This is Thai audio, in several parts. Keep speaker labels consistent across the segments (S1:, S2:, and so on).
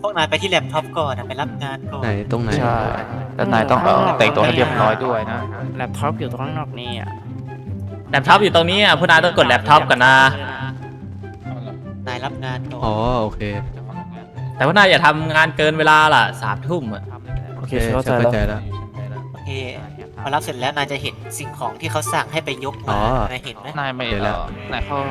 S1: วกนายไปที่แล็ปท็อปก่อนไปรับงานก่อน
S2: ไหนตรงไหน
S3: ใช่แล้วนายต้องแต่งตัวให้เรียบร้อยด้วยนะ
S4: แล็ปท็อปอยู่ตรงข้างนอกนี่อ่ะ
S5: แล็ปท็อปอยู่ตรงนี้อ่ะพวกนายต้องกดแล็ปท็อปกันนะ
S1: นายรับงานก่อน
S2: อ๋อโอเค
S5: แต่พวกนายอย่าทำงานเกินเวลาล่ะ3 ทุ่มอ่ะ
S3: โอเค
S2: เข้า
S3: เข้าใจ
S2: ใจ
S3: แล้ว
S2: แล้ว
S1: โอเคพอรับเสร็จแล้วนายจะเห็นสิ่งของที่เขาสั่งให้ไปยก
S2: อ๋
S1: มา
S2: อ
S1: นายเห็นไหม
S3: นายไม่
S2: เดี๋ยวแล้ว
S3: นายเข้า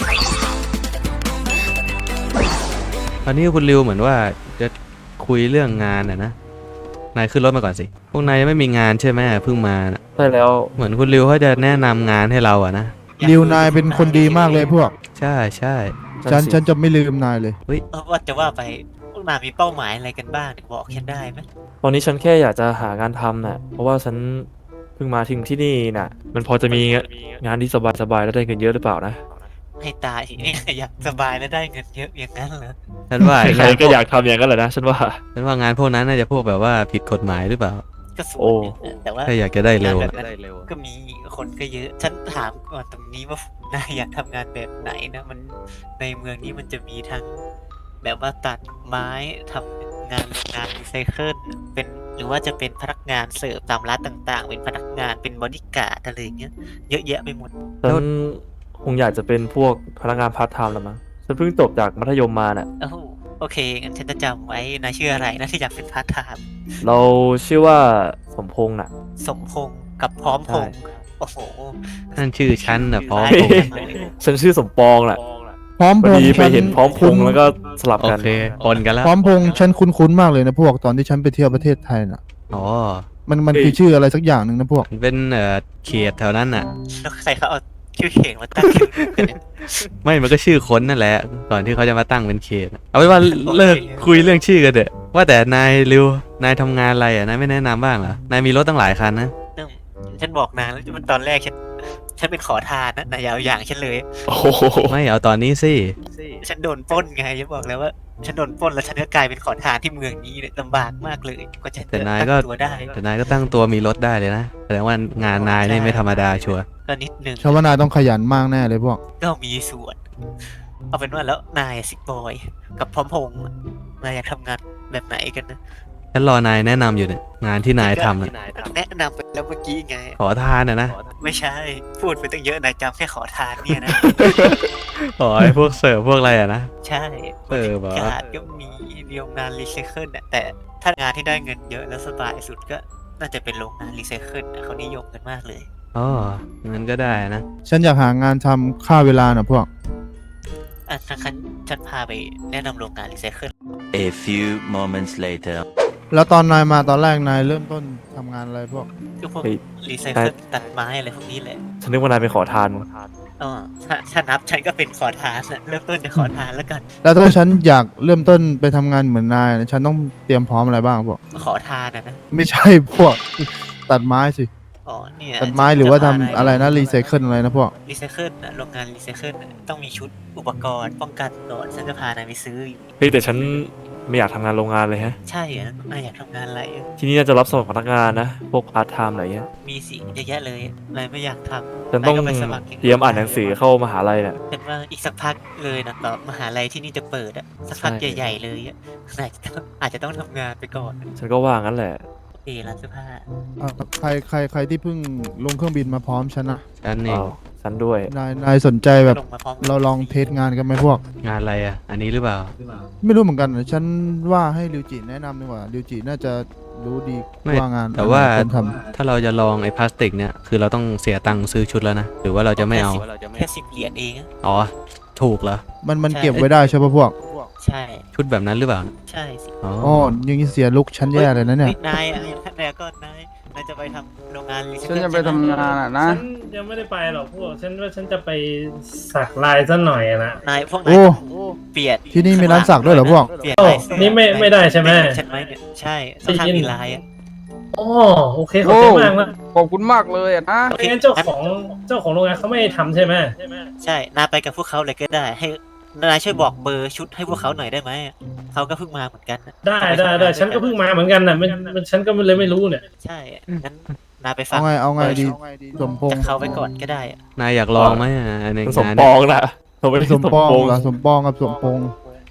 S2: ตอนนี้คุณริวเหมือนว่าจะคุยเรื่องงานนะนายขึ้นรถมาก่อนสิพวกนายยังไม่มีงานใช่ไหมเพิ่งมาน่ะ
S3: ใช่แล้ว
S2: เหมือนคุณริวเขาจะแนะนำงานให้เราอะนะ
S6: ริวนายเป็นคนดีมากเลยพวก
S2: ใช่ใช่
S6: ฉันจะไม่ลืมนายเลย
S1: ว่าจะว่าไปพวกนายมีเป้าหมายอะไรกันบ้างบอกฉันได้ไหม
S7: ตอนนี้ฉันแค่อยากจะหางานทำน่ะ เพราะว่าฉันเพิ่งมาถึงที่นี่น่ะ มันพอจะมีงานที่สบายๆแล้วได้เงินเยอะหรือเปล่านะ
S1: ให้ตายเนี่ยอยากสบายและได้เงินเยอะอย่างนั้นเหรอ
S2: ฉันว่า
S7: ใครๆก็อยากทำอย่างนั้นแหละนะฉันว่า
S2: ฉันว่างานพวกนั้นน่าจะพวกแบบว่าผิดกฎหมายหรือเปล่า
S1: ก็ส่ว
S7: โอ้
S1: นหนึ่งนะแต่ว่า
S2: ถ้าอยากจะได้เร็ว
S1: งาน
S2: อะ
S1: แบบนั้นก็มีคนก็เยอะ ฉันถามก่อนตรงนี้ว่านายอยากทำงานแบบไหนนะมันในเมืองนี้มันจะมีทั้งแบบว่าตัดไม้ทำงานโรงงานรีไซเคิลเป็นหรือว่าจะเป็นพนักงานเสิร์ฟตามร้านต่างๆ เป็นพนักงานเป็นบอดี้การ์ดอะไรอย่างเงี้ยเยอะแยะไปหมด
S7: ฉันคงอยากจะเป็นพวกพนักงานพาร์ทไทม์แล้วมั้งฉันเพิ่งจบจากมัธยมมาน่ะ
S1: โอ้โหโอเคงั้นฉันจะจำไว้นายชื่ออะไรนะที่อยากเป็นพาร์ทไทม์
S7: เราชื่อว่าสมพงษ์น่ะ
S1: สมพงษ์กับพร้อมพงษ์โอ้โห
S2: นั่นชื่อฉันนะพร้อม
S1: เฮ้ย
S7: ฉันชื่อสมปองแหละ
S6: พร้อม
S7: พ
S6: พ
S7: อง ดี
S6: ษ์
S7: ไปเห็นพร้อมพงษ์แล้วก็สลับ
S2: โอ
S7: กัน
S2: เคปนกันแล้ว
S6: พร้อมพงษ์ฉันคุ้นๆมากเลยนะพวกตอนที่ฉันไปเที่ยวประเทศไทยน่ะ
S2: อ๋อ
S6: มันคือชื่ออะไรสักอย่างหนึ่งนะพวก
S2: มันเป็นเขตแถวนั้นน่ะ
S1: แล้วใครเขาเอาชื่อเข่งมาตั้งชื่อกันเนี่ย
S2: ไม่มันก็ชื่อคนนั่นแหละ ก่อนที่เขาจะมาตั้งเป็นเขต เอาไว้ว่าเลิกคุยเรื่องชื่อกันเถอะว่าแต่นายริวนายทำงานอะไรอ่ะนายไม่แนะนำบ้างเหรอนายมีรถตั้งหลายคันนะ
S1: ฉันบอกนางแล้วมันตอนแรกฉันเป็นขอทานนะนายเอาอย่างฉันเลย
S7: โอ้โห
S2: ไม่เอาตอนนี้สิ
S1: ฉันโดนปล้นไงฉันบอกแล้วว่าฉันโดนปล้นแล้วฉันก็กลายเป็นขอทานที่เมืองนี้เนี่ยลำบากมากเลยกว่าจะ
S2: แต่นายก็
S1: ตั้งตัวได้
S2: แต่นายก็ตั้งตัวมีรถได้เลยนะแสดงว่างานนายนี่ไม่ธรรมดาชัวร์
S1: ก็นิดนึง
S6: ชาวว่านายต้องขยันมากแน่เลยพวก
S1: ก็มีส่วนเอาเป็นว่าแล้วนายสิกบอยกับพร้อมพงษ์นายอยากทำงานแบบไหนกันนะ
S2: ฉันรอนายแนะนำอยู่เนี่ยงานที่นายทำน่ะ
S1: แนะนำไปแล้วเมื่อกี้ไง
S2: ขอทานนะ
S1: ไม่ใช่ พูดไปตั้งเยอะนายจำแค่ขอทานเนี่ยนะ
S2: ขอไอ้พวกเสิร์ฟพวกอะไรอะนะ
S1: ใช่
S2: บอก
S1: การก็มีโรงงานรีไซเคิลน่ะแต่ถ้างานที่ได้เงินเยอะแล้วสบายสุดก็น่าจะเป็นโรงงานรีไซเคิลน่ะเขานิยมกันมากเลย
S2: อ๋องั้นก็ได้นะ
S6: ฉันอยากหางานทำค่าเวลาน่ะพวก
S1: อ่ะถ้าฉันพาไปแนะนำโรงงานรีไซเคิล
S8: A few moments later.
S6: แล้วตอนนายมาตอนแรกนายเริ่มต้นทำงานอะไรพวก
S1: ก็พวก
S7: เฮ้ย
S1: รีไซเคิลตัดไม้อะไรพวกนี้แหละ
S7: ฉันนึกว่านายเป็นขอทาน
S1: อ๋อถ้านับฉันก็เป็นขอทานน่ะเริ่มต้นจากขอทานแล้วกัน
S6: แล้วถ้าฉันอยากเริ่มต้นไปทำงานเหมือนนายนะฉันต้องเตรียมพร้อมอะไรบ้างพวก
S1: ขอทานนะ
S6: ไม่ใช่พวก ตัดไม้สิ
S1: อ๋อเนี่ย
S6: ตัดไม้หรือว่าทำอะไรนะรีไซเคิลอะไรนะพวก
S1: รีไซเคิลน่ะโรงงานรีไซเคิลน่ะต้องมีชุดอุปกรณ์ป้องกันก่อนฉันจะพานายไปซื้ออยู่
S7: เฮ้ยแต่ฉันไม่อยากทำงานโรงงานเลยฮะ
S1: ใช่เหรอนายอยากทำงานอะไรอะ
S7: ที่นี่น่าจะรับสมัครพนักงานนะ พวกพาร์ทไทม์อะไรเงี้ย
S1: มีสิเยอะแยะเลยนายไม่อยากทำ
S7: ฉันต้อง
S1: ายก็ไปสมัครย่ง
S7: เตรียมอ่านหนังสือเข้ามหาลัยน่ะ
S1: เป็นว่าอีกสักพักเลยนะต่อมหาลัยที่นี่จะเปิดอะสักพัก
S7: ใช่
S1: ใหญ่ๆเลยอะนายอาจจะต้องทำงานไปก่อน
S7: ฉันก็ว่างั้นแหละ
S1: โอเคร้านเสื้อผ้า
S6: ใครที่เพิ่งลงเครื่องบินมาพร้อมฉันนะ
S2: ฉันเอง
S7: อ้าวฉันด้วย
S6: นายสนใจแบบ
S1: ลงมาพร้อม
S6: เราลองเทสงานกันไหมพวก
S2: งานอะไรอ่ะ อันนี้หรือเปล่า
S6: ไม่รู้เหมือนกันนะฉันว่าให้ริวจิแนะนำดีกว่าริวจิน่าจะรู้ดี
S2: ไม่
S6: ว่างาน
S2: แต่ว่า
S6: คนท
S2: ถ้าเราจะลองไอ้พลาสติกเนี่ยคือเราต้องเสียตังค์ซื้อชุดแล้วนะหรือว่าเราจะไม่เอา
S1: แค่10 เหรียญเองอะ
S2: อ๋อถูกเหรอ
S6: มัน
S1: ใช่
S6: เก็บไว้ได้ใช่ปะพวก
S1: ใช่
S2: ชุดแบบนั้นหรือเปล่า
S1: ใช่สิ
S2: อ๋อ
S6: อ๋อยังนี้เสียลุกฉันแย่เลยนะเนี่ย
S1: ฮ้นายอะนายก็นายจะไปทำโรงงานรีไซเคิ
S9: ฉั
S1: ล
S9: นจะไปทำงานอ่ะนะ
S10: ฉันยังไม่ได้ไปหรอกพวกฉันว่าฉันจะไปสักลายซะหน่อยอะนะ
S1: นายพวก
S6: โอ้
S1: นายเปลี่ยน
S6: ที่นี่มีร้านสักด้วยเหรอพวก
S1: เปลี่ยน
S10: โอ้
S1: ลายเสื้อ
S10: นี่ไม่ได้ใช่ไหม
S1: ใช่ไหมเนี่ยใช่ข้างๆมีลายอะ
S10: อ๋อโอเคขอบใจมากนะ
S9: ขอบคุณมากเลยอ่ะนะ
S10: ไม่งั้นเจ้าของโรงงานเขาไม่ให้ทำใช่ไหม
S1: ใช่นายไปกับพวกเขาเลยก็ได้ ให้นายช่วยบอกเบอร์ชุดให้พวกเขาหน่อยได้ไหมเขาก็เพิ่งมาเหมือนกันนะ
S10: ได้ฉันก็เพิ่งมาเหมือนกันนะมันฉันก็เลยไม่รู้เนี่ย
S1: ใช่งั้นนายไปฟั
S6: เอา
S1: ง
S6: ไงดีสมพง
S1: จาก
S6: ษ์
S1: เขาไปก่อนก็ได้อะ
S2: นายอยากลองไหมใน
S7: สม
S2: งาน
S7: ป
S2: เนี่
S7: อย งนะผมไม่ได้
S6: สมปอง
S7: พงษ์
S6: เหรอสมปองกับสมพงษ์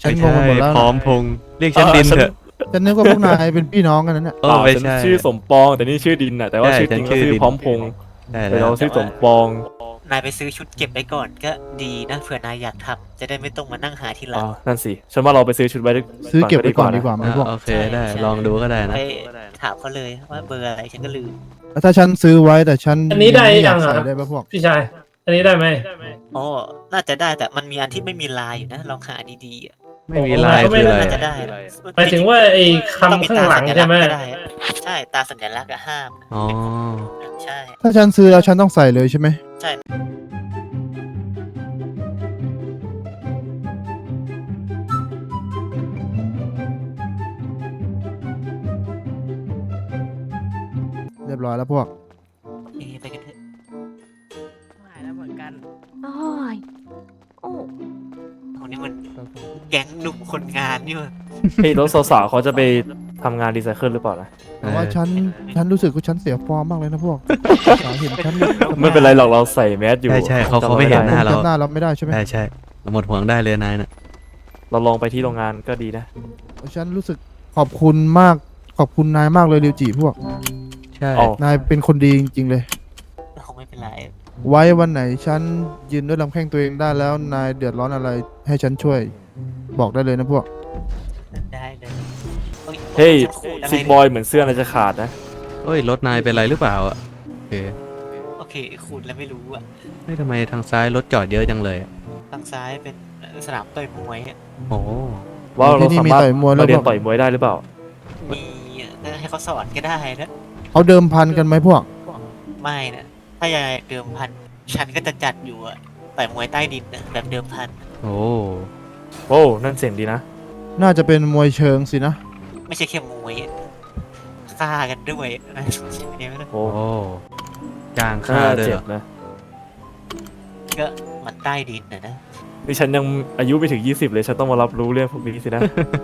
S6: ฉันงงไปหมดแล้ว
S2: พร้อมพงษ์เรียกฉันดินเถอะ
S6: ฉันนึกว่าพวกนายเป็นพี่น้องกันนั่นแหละ
S2: เออไม่
S7: ฉัน
S2: ใช่
S7: ชื่อสมปองแต่นี่ชื่อดินน่ะแต่ว่า
S2: ใช่
S7: ชื่อจริง
S2: ฉั
S7: ก็
S2: นชื่อ
S7: ชื่อ
S2: ดิน
S7: พร้อมพงษ์
S2: ได้
S7: แต่
S2: แล้ว
S7: เราชื่อสมปอง
S1: นายไปซื้อชุดเก็บไว้ก่อนก็ดีนะเผื่อนายอยากทำจะได้ไม่ต้องมานั่งหาทีหลั
S7: อ๋อง นั่นสิฉันว่าเราไปซื้อชุดไว้
S6: ซื้อเก็บไว้ก่อนดีกว่าไหม
S2: อ่ะ
S6: พวก
S2: โอเคได้ลองดูก็ได้นะ
S1: ไปถามเขาเลยว่าเบอร์อะไรฉันก็ลืม
S6: แล้วถ้าฉันซื้อไว้แต่ฉัน
S10: อันนี้ได้
S6: ม่อ
S10: ยั
S6: ยาก
S10: ง
S6: ใส่
S10: อ่ะ
S6: ได้ปะพวก
S10: พี่ชาย อันนี้ได้ไหม
S1: อ๋อน่าจะได้แต่มันมีอันที่ไม่มีลายอยู่นะลองหาดีๆอะ
S2: ไม่มีลาย
S10: ก็ไม่
S2: คืออะไร
S1: น่าจะ
S2: อะ
S1: ได้นะ
S10: หมายถึงว่าไอ้คำข้างหลังใช่ไหม
S1: ต้องตาสัญลักษณ์ก็ด้ใช่ตาสัญลักษณ์อะห้าม
S2: อ๋อ
S1: ใช่
S6: ถ้าฉันซื้อแล้วฉันต้องใส่เลยใช่ไหม
S1: ใช่
S6: เรียบร้อยแล้วพวก
S1: โอเคไปกันเถอะ
S4: หายแล้วเหมือนกัน
S11: โอ้ยโอ้
S1: คนนี้มันแก๊งหนุ่มคนงานนี่วะ
S7: เฮ้ยแล้วสาวๆเขาจะไปทำงานรีไซเคิลหรือเปล่านะ
S6: แต่ว่าฉันรู้สึกว่าฉันเสียฟอร์มมากเลยนะพวกสาวเห็นฉัน
S7: ไม่เป็นไรหรอกเราใส่แมสอยู่
S2: ใช่ใช่เขาไม่เห็นหน้าเรา
S6: จำหน้าเราไม่ได้ใช่ไหม
S2: ใช่ใช่เราหมดห่วงได้เลยนายน่ะ
S7: เราลองไปที่โรงงานก็ดีนะ
S6: ฉันรู้สึกขอบคุณมากขอบคุณนายมากเลยริวจิพวก
S2: ใช่
S7: อ๋อ
S6: นายเป็นคนดีจริงๆเลย
S1: คงไม่เป็นไร
S6: ไว้วันไหนฉันยืนด้วยลำแข้งตัวเองได้แล้วนายเดือดร้อนอะไรให้ฉันช่วย บอกได้เลยนะพวก
S1: ได้เลยอ้
S7: เฮ้ย
S1: ฉันขูดอะไร
S7: ซิกบอยเหมือนเสื้อน่าจะขาดนะ
S2: เอ้ยรถนายเป็นไรหรือเปล่าอ่ะโอเค
S1: โอเคขูดแล้วไม่รู้อะ
S2: ไม่ทำไมทางซ้ายรถจอดเยอะจังเลยอะ
S1: ทางซ้ายเป็นสนามต่อยมวยอะ
S2: โอ้
S7: ว่าเรา
S6: ที่นี่
S7: สา
S6: มี
S7: มารถ
S6: ต่อยมวยแล้ว
S7: มาเรียน
S6: บอก
S7: ต่อยมวยได้หรือเปล่า
S1: มีให้เขาสอนก็ได้นะ
S6: เขาเดิมพันกันไหมพวก
S1: ไม่นะถ้าอยากเดิมพันฉันก็จะจัดอยู่อะต่อยมวยใต้ดินนะแบบเดิมพัน
S2: โอ้
S7: โอ้นั่นเสียงดีนะ
S6: น่าจะเป็นมวยเชิงสินะ
S1: ไม่ใช่แค่มวยอะฆ่ากันด้วยนะใช่ไหมนะ
S7: โอ้
S2: โอ้จ้าง
S7: น่า
S2: ค่าด้วย
S7: เจ็
S2: เหร
S7: บ
S2: อ
S7: นะ
S1: ก็มันใต้ดินนะ
S7: นี่ฉันยังอายุไม่ถึง 20 เลยฉันต้องมารับรู้เรื่องพวกนี้สินะ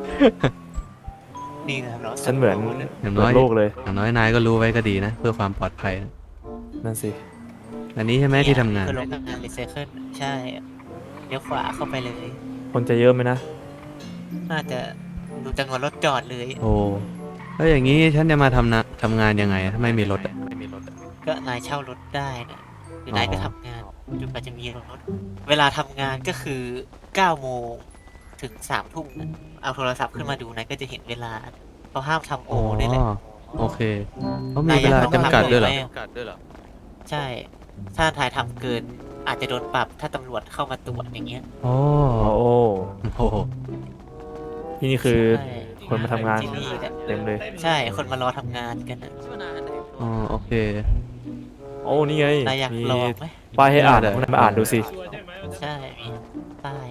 S1: นี่นะครับเรา
S7: ฉันเหมือน
S2: อย่าง
S7: เปิ
S2: น้อ
S7: ด
S2: ย
S7: โลกเลย
S2: อย่างน้อยนายก็รู้ไว้ก็ดีนะ เพื่อความปลอดภัยนะ
S7: นั่นสิ
S2: อันนี้ใช่ไหมที่ทำงาน
S1: คือโรงงานรีไซเคิลใช่เลี้ยวขวาเข้าไปเลย
S7: คนจะเยอะไหมนะ
S1: น่าจะดูจำนวนรถจอดเลย
S2: โอ้แล้วอย่างนี้ฉันจะมาทำงานยังไงอะถ้าไม่มีรถอะ
S1: ก็นายเช่ารถได้นะหรือ
S2: อ
S1: นายก็ทำงานจนกว่าจะมีรถ เวลาทำงานก็คือ9 โมงถึง3 ทุ่มนะเอาโทรศัพท์ขึ้นมาดูนายก็จะเห็นเวลาเขาห้ามทำโอนี่แหละ
S2: โอเคเขามีเวลาจำกัดด้วยเหรอ
S1: ใช่ ถ้าทายทำเกินอาจจะโดนปรับถ้าตำรวจเข้ามาตรวจอย่างเงี้ย
S2: โอ้
S7: โอ้
S2: โอ้โห
S7: ที่นี่คือ
S1: ใช่
S7: คนมาทำงาน
S1: ที่นี่แหละ
S7: เต็มเลย
S1: ใช่คนมารอทำงานกันนะ
S2: อ๋อโอเค
S7: โอ้นี่ไง
S1: นายอยาก
S7: มี
S1: ลองไหม
S7: ป้ายให้อ่าน
S2: ได้
S7: คุณนายมาอ่านดูสิ
S1: ใช่มีป้าย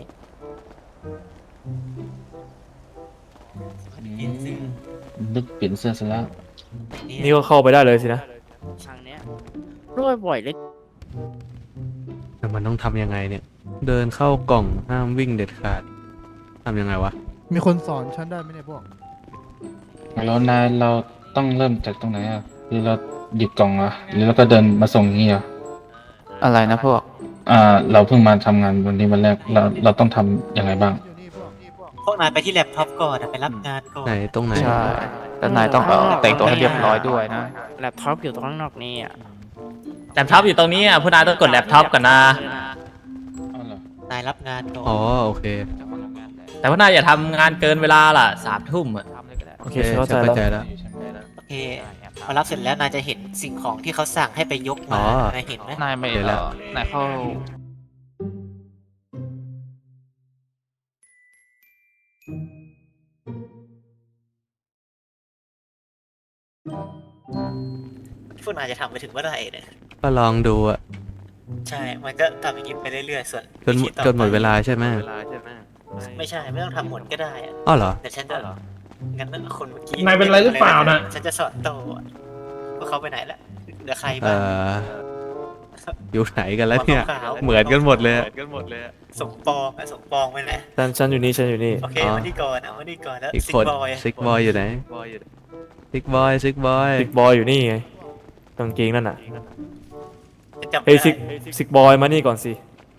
S1: ยินซื้อ
S3: นึกเปลี่ยนเสื้อซะแล้ว
S7: นี่ก็เข้าไปได้เลยสินะ
S4: ทางเนี้ยด้วยบ่อยเลย
S2: แต่มันต้องทำยังไงเนี่ย เดินเข้ากล่องห้ามวิ่งเด็ดขาดทำยังไงวะ
S6: มีคนสอนฉันได้ไหมเนี่ยพวก
S3: แล้วนายเราต้องเริ่มจากตรงไหนอ่ะหรือเราหยิบกล่องอ่ะหรือเราก็เดินมาส่งอย่างงี้อ่ะ
S8: อะไรนะพวก
S3: เราเพิ่งมาทำงานวันนี้วันแรกเราต้องทำยังไงบ้าง
S1: พวกนายไปที่แล็ปท็อปก่อนนะไปรับงานก่อน
S2: ไหนตรงไหน
S8: ใช่ แล้วนายต้องแต่งตัวให้เรียบร้อยด้วยนะ
S4: แล็ปท็อปอยู่ตรงข้างนอกนี่อ่ะ
S5: แล็ปท็อปอยู่ตรงนี้อ่ะผู้นายต้องกดแล็ปท็อปก่อนนะ
S3: อ้าวเหรอ
S1: นายรับงานก่อน
S2: อ๋อโอเค
S5: แต่ผู้นายอย่าทำงานเกินเวลาล่ะ3 ทุ่มอ่ะ
S7: โอเคฉันเข้าใจแล้ว
S2: แล้ว
S1: โอเคพอรับเสร็จแล้วนายจะเห็นสิ่งของที่เขาสั่งให้ไปยก
S2: อ๋
S1: มา
S2: อ
S1: นายเห็นไหม
S8: นายไม่
S2: เดี๋ยวแล้ว
S8: นายเข้า
S1: พวกนายจะทำไปถึงเมื่อไหร่เนี่ย
S2: ก็ลองดูอะ
S1: ใช่ มันก็ทำอย่างนี้ไปเรื่อยๆ ส่วน
S2: จน
S1: วิธีต่อ
S2: จนหมดเวลาใช่ไหม
S1: ไม่ใช่ ไม่ต้องทำหมดก็ได้อะ
S2: อ้อเหรอ
S1: แต่ฉันจะงั้นคนเมื่อกี้
S10: นายเป็นไรหรือเปล่าน่ะ
S1: ฉันจะสอนโตอะพวกเขาไปไหนละเหลือใคร
S2: เอ
S1: บ้าง
S2: อยู่ไหนกันแล้วเนี่ย
S1: หัขาวๆ
S2: เหมือนกันหมดเลยอะ
S1: สมปองอะสมปองไปไหน
S7: ฉันอยู่นี่ฉันอยู่นี่
S1: โอเค
S2: อ๋อ
S1: มานี่ก่อนเอามานี่ก่อนแล้ว
S2: อีก
S1: ซิก
S2: คน
S1: บอย
S2: ซิกบอยอยู่ไหนซิกบอย
S7: ซิกบอยอยู่นี่ไงกางเกงนั่นน่ะ
S1: ฉันจำไม่
S7: เฮ้ย
S1: ได้
S7: ซิกบอยมานี่ก่อนสิ
S1: โอ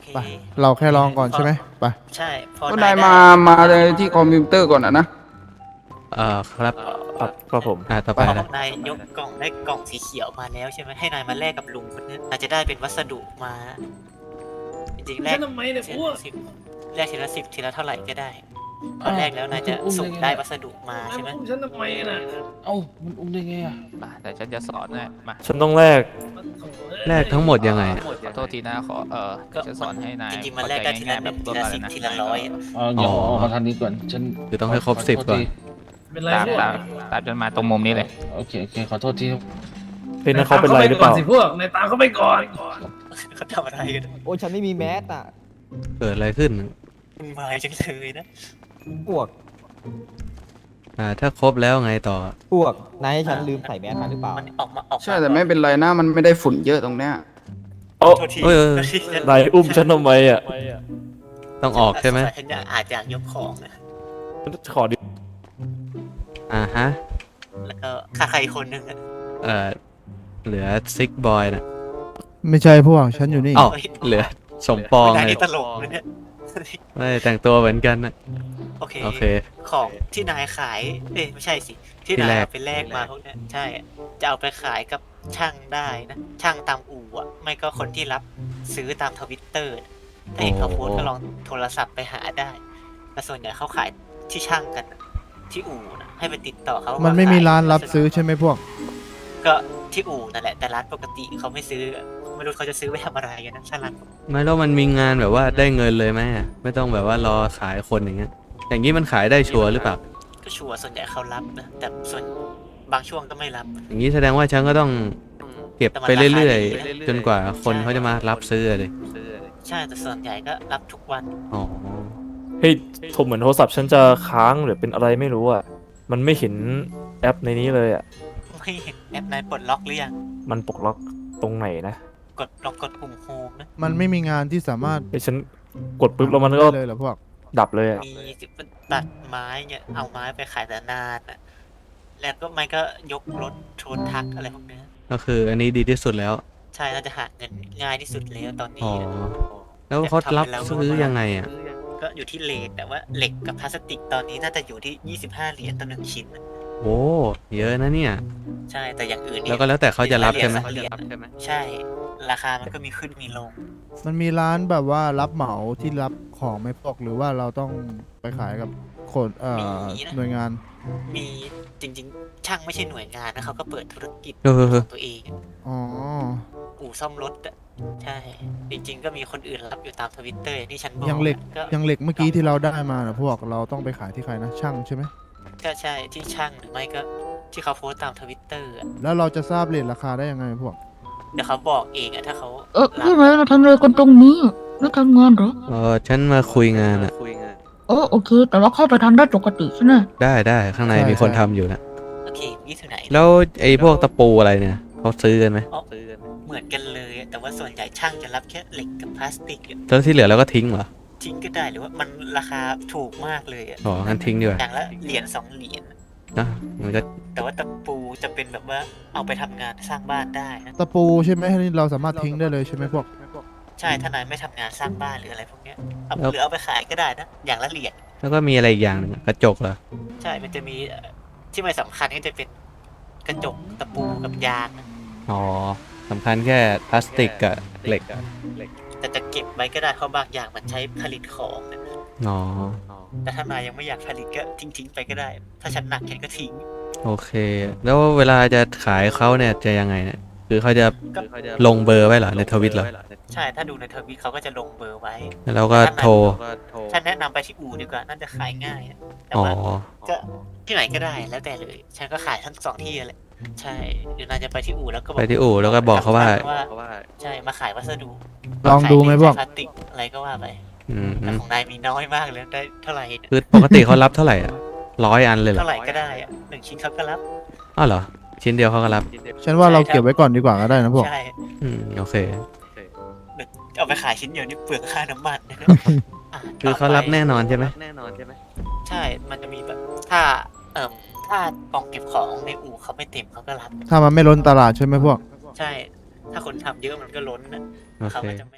S1: เค
S6: ไป เราแค่ลองก่อนใช่ไหมไป
S1: ใช่พอ
S9: ก็
S1: นาน
S9: าย ย
S1: ได้
S9: มาเลยที่คอมพิวเตอร์ก่อนนะ
S2: ครับ
S7: ครับผม
S2: ต่อ
S1: พ
S2: ไป
S1: อ
S2: นะ
S1: นายยกกล่องได้กล่องสีเขียวมาแล้วใช่ไหมให้นายมาแลกกับลุงคนนี้นายจะได้เป็นวัสดุมา จริงๆแล
S10: ฉั
S1: ก
S10: นทำไมเนี่ย
S1: ที
S10: พวก
S1: ละ10แลกทีละ10ทีละเท่าไหร่ก็ได้พอแรกแล้วนายจะสุ่มได้วัสดุมาใช่ไหม
S10: ฉันทำไมน่ะ
S3: เอ้ามันอุ้มได้ไงอ่ะ
S8: มาแต่ฉันจะสอนให้มา
S7: ฉันต้องแลก
S2: แลกทั้งหมดยังไงอะ
S8: ขอโทษทีนะขอจะสอนให้นาย
S1: จริงๆมันแลกได้ทีละ
S8: เข้าใจง่ายๆ
S1: หนึ่งทีละ
S8: แบบ
S1: 10
S8: นะ
S1: ทีละร้อยอะ
S3: เดี๋ยวออกมาทางนี้ก่อนฉัน
S2: คือต้องให้ครบ10ก่อน
S10: เป็นไร
S8: ตาม
S10: พวก
S8: ตามจนมาตรงมุมนี้เลย
S3: โอเคขอโทษที
S7: เฮ้ยนั่นเขาเป็นไรหรือเปล่า
S10: สิพวกนายตามเขาไปก่อน
S1: เขาทำอะไรกัน
S12: โอ้ยฉันไม่มีแมสอ่ะ
S2: เกิดอะไรขึ้น
S1: มึงมาจังเลยนะ
S12: พวก
S2: ถ้าครบแล้วไงต่อ
S12: พวก นายให้ฉันลืมใส่แมสมาหรือเปล่า
S1: มันออกมา
S9: ใช่แต่ไม่เป็นไรนะมันไม่ได้ฝุ่นเยอะตรงเนี้ย
S7: โอ้
S1: โทษที
S2: เอ้ย
S1: โทษที
S7: นายอุ้มฉันทำไมอ่ะ
S2: ต้องออกใช่ไหม
S1: ฉันอาจจะยกของนะ
S7: ขอดิ
S2: ฮะ
S1: แล้วก็ค่าใครคนหนึ่งอะ
S2: เหลือซิกบอยนะ
S6: ไม่ใช่พวก ฉันอยู่นี่
S2: อ๋อเหลือสมปอง
S1: นาย
S2: ไง
S1: นี่ตลกเลยเนี่ย
S2: ไม่แต่งตัวเหมือนกันนะ
S1: โอเค
S2: โอเค
S1: ของที่นายขาย ไม่ใช่สิ ที่
S2: ที่
S1: นาย
S2: แลก
S1: เอาไปแลกมาพวกเนี้ยใช่ จะเอาไปขายกับช่างได้นะ ช่างตามอู่อะไม่ก็คนที่รับซื้อตามทวิตเตอร์ถ้าเห็นเขาโพสต์ก็ลองโทรศัพท์ไปหาได้ แต่ส่วนใหญ่เขาขายที่ช่างกันนะที่อู่นะให้ไปติดต่อเขา
S6: มั
S1: มัน
S6: ไม่มีร้านรับซื้อใช่ไหมพวก
S1: ก็ที่อู่นั่นแหละแต่ร้านปกติเขาไม่ซื้อไม่รู้เขาจะซื้อไว้ทำอะไรกันนะถ้าร้าน
S2: ไม่แล้วมันมีงานแบบว่าได้เงินเลยไหมอะไม่ต้องแบบว่ารอขายคนอย่างเงี้ย อย่างนี้มันขายได้ชัวร์หรือเปล่า
S1: ก็ชัวร์ส่วนใหญ่เขารับนะแต่ส่วนบางช่วงก็ไม่รับ
S2: อย่างนี้แสดงว่าฉันก็ต้อง
S1: อืม
S2: เก็บ
S1: แต่มัน
S2: ไปเรื่อย
S1: ราคาดีนะ
S2: ๆ จนกว่าคนเขาจะมารับซื้อเลย
S1: ใช่แต่ส่วนใหญ่ก็รับทุกวัน
S2: อ๋อ
S7: เฮ้ยเหมือนโทรศัพท์ฉันจะค้างหรือเป็นอะไรไม่รู้อ่ะ มันไม่เห็นแอปในนี้เลยอ่ะ
S1: ไม่เห็นแอปนายปลดล็อกหรือยัง
S7: มันปลดล็อกตรงไหนนะ
S1: ลองกดปุ่มโฮมนะ
S6: มันไม่มีงานที่สามารถ
S7: เฮ้ยฉันกดปุ๊บแล้วมันก็
S6: ได้เลยเหรอพวก
S7: ดับเลยอ่ะ
S1: มีตัดไม้เนี่ยเอาไม้ไปขายแต่นานอ่ะแล้วก็ไม่ก็ยกรถโทนทักอะไรพวกเนี้ย
S2: ก็คืออันนี้ดีที่สุดแล้ว
S1: ใช่น่าจะหาเงินง่ายที่สุดแล้วตอน
S2: อ๋
S1: นี้
S2: อ
S1: นะ
S2: แล้วเขารับซื้อยังไงอ่ะ
S1: ก็อยู่ที่เลทแต่ว่าเหล็กกับพลาสติกตอนนี้น่าจะอยู่ที่25 เหรียญต่อ1ชิ้นนะ
S2: โอ้เยอะนะเนี่ย
S1: ใช่แต่อย่างอื่นนี่
S2: แล้วก็แล้วแต่เขาจะรับใช่ไหม
S1: เหรียญใช่ ราคามันก็มีขึ้นมีลง
S6: มันมีร้านแบบว่ารับเหมาที่รับของไม่พวกหรือว่าเราต้องไปขายกับคนหน่วยงาน
S1: มีจริงๆ ช่างไม่ใช่หน่วยงานนะเขาก็เปิดธุรกิจ
S2: เออ
S1: ของตัวเอง
S6: อ๋อ
S1: อู่ซ่อมรถอะใช่ จริงๆ ก็มีคนอื่นรับอยู่ตามทวิตเตอร์ที่ฉันบอก
S6: ยังเหล็ก
S1: ก็
S6: ยังเหล็กเมื่อกี้ที่เราได้มานะพวกเราต้องไปขายที่ใครนะช่างใช่ไหม
S1: ก็ใช่ที่ช่างหรือไม่ก็ที่เขาโพสต์ตามทวิตเตอร์
S6: แล้วเราจะทราบเรทราคาได้ยังไงพวก
S1: เดี๋ยวเขาบอกเองอะถ้าเขา
S11: ใช่ไหมเราทำอะไรกันตรงนี้แล้วทำงานเหรอ
S2: ฉันมาคุยงานอ่ะ
S11: โอเค แต่ว่าเข้าไปทำได้ปกติใช่ไหม
S2: ได้ข้างใน
S6: ใช่
S2: มีคน
S6: ใช่
S2: ทำอยู่นะ
S1: โอเคยี่ถึงไหน
S2: แล้วไอ้พวกตะปูอะไรเนี่ยเขาซื้อกันไหม
S1: เหมือนกันเลยอะแต่ว่าส่วนใหญ่ช่างจะรับแค่เหล็กกับพลาสติกอะ
S2: แล้วที่เหลือเราก็ทิ้งเหรอ
S1: ทิ้งก็ได้หรือว่ามันราคาถูกมากเลยอะ
S2: อ๋องั้นทิ้งดีกว่า
S1: อย่างละเหรียญ2 เหรียญ
S2: นะมันก็
S1: แต่ว่าตะปูจะเป็นแบบว่าเอาไปทำงานสร้างบ้านได้นะ
S6: ตะปูใช่ไหมนี่เราสามารถทิ้งได้เลยใช่ไหมพวก
S1: ใช่ถ้านายไม่ทำงานสร้างบ้านหรืออะไรพวกเนี้ยเอาหรือเอาไปขายก็ได้นะอย่างละเหรียญ
S2: แล้วก็มีอะไรอีกอย่างหนึ่งกระจกเหรอ
S1: ใช่มันจะมีที่ไม่สำคัญก็จะเป็นกระจกตะปูกับยางนะ
S2: อ๋อสำคัญแค่พลาสติกกับเหล็ก
S1: แต่จะเก็บไว้ก็ได้เพราะบางอย่างมันใช้ผลิตของนะ
S2: อ๋อ
S1: แต่ถ้านายยังไม่อยากผลิตก็ทิ้งไปก็ได้ ถ้าฉันหนักฉันก็ทิ้ง
S2: โอเค แล้วเวลาจะขายเขาเนี่ยจะยังไงเนี่ยคือเขาจะ
S1: ก็
S2: ลงเบอร์ไว้เหรอในทวิตเหรอ
S1: ใช่ถ้าดูในทวิตเขาก็จะลงเบอร์ไว้
S2: แล้วเราก็โทร
S1: ฉันแนะนำไปที่อู่ดีกว่าน่าจะขายง่ายอะแต่
S2: อ๋อ
S1: ว่าก็ที่ไหนก็ได้แล้วแต่เลย ฉันก็ขายทั้ง2 ที่แหละใช่หรือนายจะไปที่อู่แล้วก็
S2: ไปที่อู่แล้วก็บอกเขาว่า
S1: ใช่มาขายวัสดุ
S6: ลองดูไหมพวก
S1: ขายพลาสติกอะไรก็ว่าไป
S2: อืม
S1: แต่ของนายมีน้อยมากเลยได้เท่าไหร่เนี่ย
S2: คือปกติเขารับเท่าไหร่อ่ะ100 อันเลยเหรอ
S1: เท่าไหร่ก็ได้อะ1 ชิ้นเขาก็รับ
S2: อ้าวเหรอ ชิ้นเดียวเขาก็รับ
S6: ฉันว่าเราเก็บไว้ก่อนดีกว่าก็ได้นะพวก
S1: ใช่
S2: โอเค
S1: เอาไปขายชิ้นเดียวนี่เปลืองค่าน้ำมันนะครับะ
S2: คือเขารับแน่นอนใช่ไหม
S1: ใช่ มันจะมีแบบถ้าถ้ากล่องเก็บของในอู่เขาไม่เต็มเขาก็รับ
S6: ถ้ามันไม่ล้นตลาดใช่ไหมพวก
S1: ใช่ ถ้าคนทำเยอะมันก็ล้นนะ
S2: โอ
S1: เขา
S2: เค
S1: ก็จะไม่